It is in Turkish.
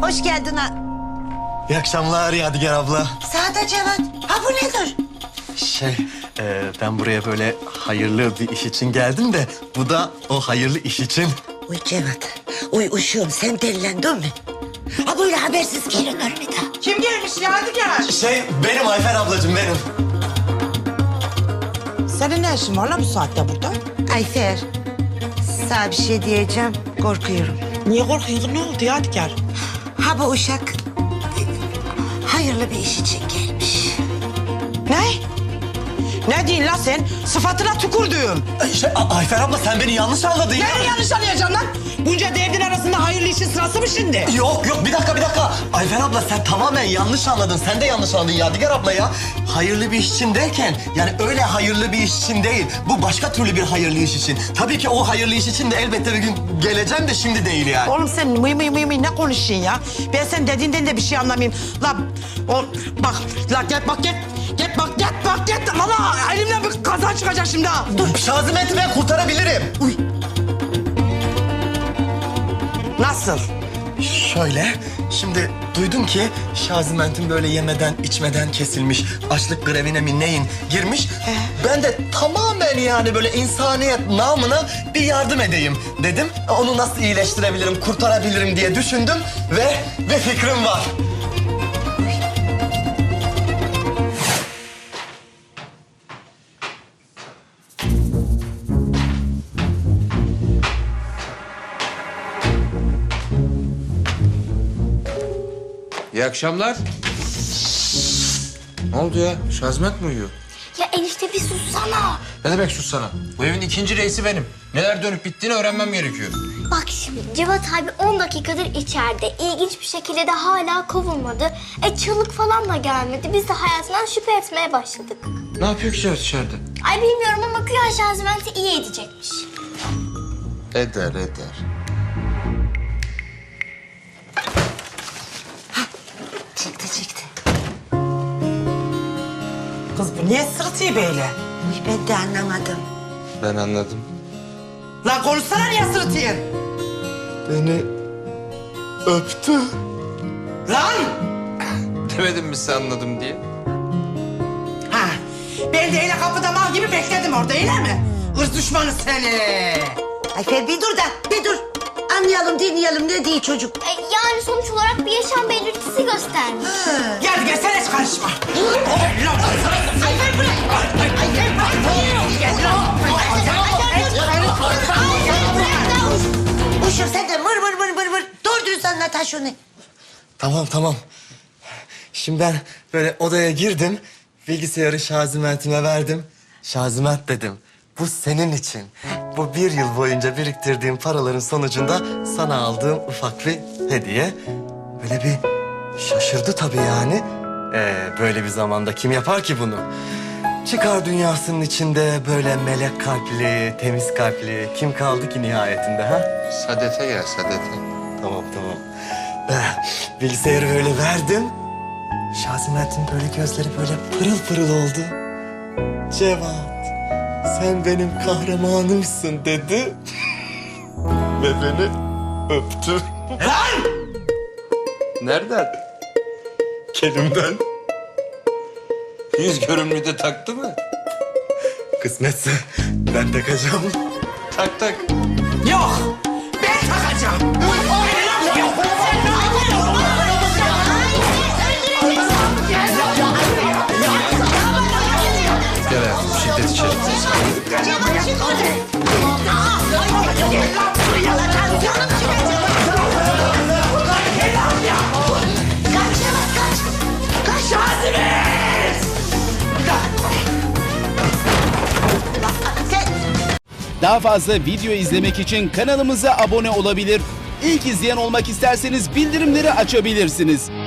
Hoş geldin ha. İyi akşamlar Yadigar abla. Sağda Cevat. Ha bu nedir? Ben buraya böyle hayırlı bir iş için geldim de... ...bu da o hayırlı iş için. Uy Cevat. Uy uşuğum sen delilendin mi? Ha böyle habersiz gelinir mi da? Kim gelmiş Yadigar? Benim Ayfer ablacığım benim. Senin ne işin var la bu saatte burada? Ayfer. Sana bir şey diyeceğim. Korkuyorum. Niye korkuyorsun? Ne oldu Yadigar? Ha bu uşak hayırlı bir iş için gelmiş. Ne? Ne diyorsun la sen? Sıfatına tükürdüğüm. Ayfer abla sen beni yanlış anladın ya. Nereye yanlış anlayacaksın lan? Bunca derdin arasında hayırlı işin sırası mı şimdi? Yok bir dakika. Ayfer abla sen tamamen yanlış anladın. Sen de yanlış anladın Yadigar abla ya. Hayırlı bir iş için derken yani öyle hayırlı bir iş için değil. Bu başka türlü bir hayırlı iş için. Tabii ki o hayırlı iş için de elbette bir gün geleceğim de şimdi değil yani. Oğlum sen mıy ne konuşuyorsun ya? Ben sen dediğinden de bir şey anlamayayım. La bak git. Valla elimden bir kaza çıkacak şimdi ha. Dur Şazimet'i ben kurtarabilirim. Uy. Nasıl? Şöyle, şimdi duydum ki Şaziment'in böyle yemeden içmeden kesilmiş, açlık grevine mi neyin girmiş. Ben de tamamen yani böyle insaniyet namına bir yardım edeyim dedim. Onu nasıl iyileştirebilirim, kurtarabilirim diye düşündüm ve bir fikrim var. İyi akşamlar. Ne oldu ya? Şazmet mi uyuyor? Ya enişte bir sussana. Ne demek sus sana? Bu evin ikinci reisi benim. Neler dönüp bittiğini öğrenmem gerekiyor. Bak şimdi Cevat abi 10 dakikadır içeride. İlginç bir şekilde de hala kovulmadı. Çığlık falan da gelmedi. Biz de hayatından şüphe etmeye başladık. Ne yapıyor ki Cevat içeride? Ay bilmiyorum ama güya Şazment'i iyi edecekmiş. Eder. Çıktı. Kız bu niye sırıtıyor böyle? Uy ben de anlamadım. Ben anladım. Lan konuşsana niye sırıtıyorsun? Beni öptü. Lan! Demedim mi sen anladım diye? Ha, ben de öyle kapıda mal gibi bekledim orada öyle mi? Hırs düşmanı seni. Ayfer bir dur. Anlayalım, dinleyelim ne diyor çocuk. Yani sonuç olarak bir yaşam belirtisi göstermiş. Gel gelsene hiç karışma. Ayfer bırak. Uşum sen de vır. Doğru dürüst anlat ha şunu. Tamam. Şimdi ben böyle odaya girdim, bilgisayarı Şaziment'ime verdim. Şaziment dedim, bu senin için. Bu 1 yıl boyunca biriktirdiğim paraların sonucunda sana aldığım ufak bir hediye. Böyle bir şaşırdı tabii yani. Böyle bir zamanda kim yapar ki bunu? Çıkar dünyasının içinde böyle melek kalpli, temiz kalpli kim kaldı ki nihayetinde ha? Sadete gel, sadete. Tamam. Bilgisayarı böyle verdim. Şazimet'in böyle gözleri böyle pırıl oldu. Cevat, sen benim kahramanımsın dedi. Ve beni öptü. Nereden? Kelimden. Yüz görümlüğü de taktı mı? Kısmetse ben takacağım. Tak. Yok, ben takacağım. Gel hayatım, şiddet içelim. Daha fazla video izlemek için kanalımıza abone olabilir. İlk izleyen olmak isterseniz bildirimleri açabilirsiniz.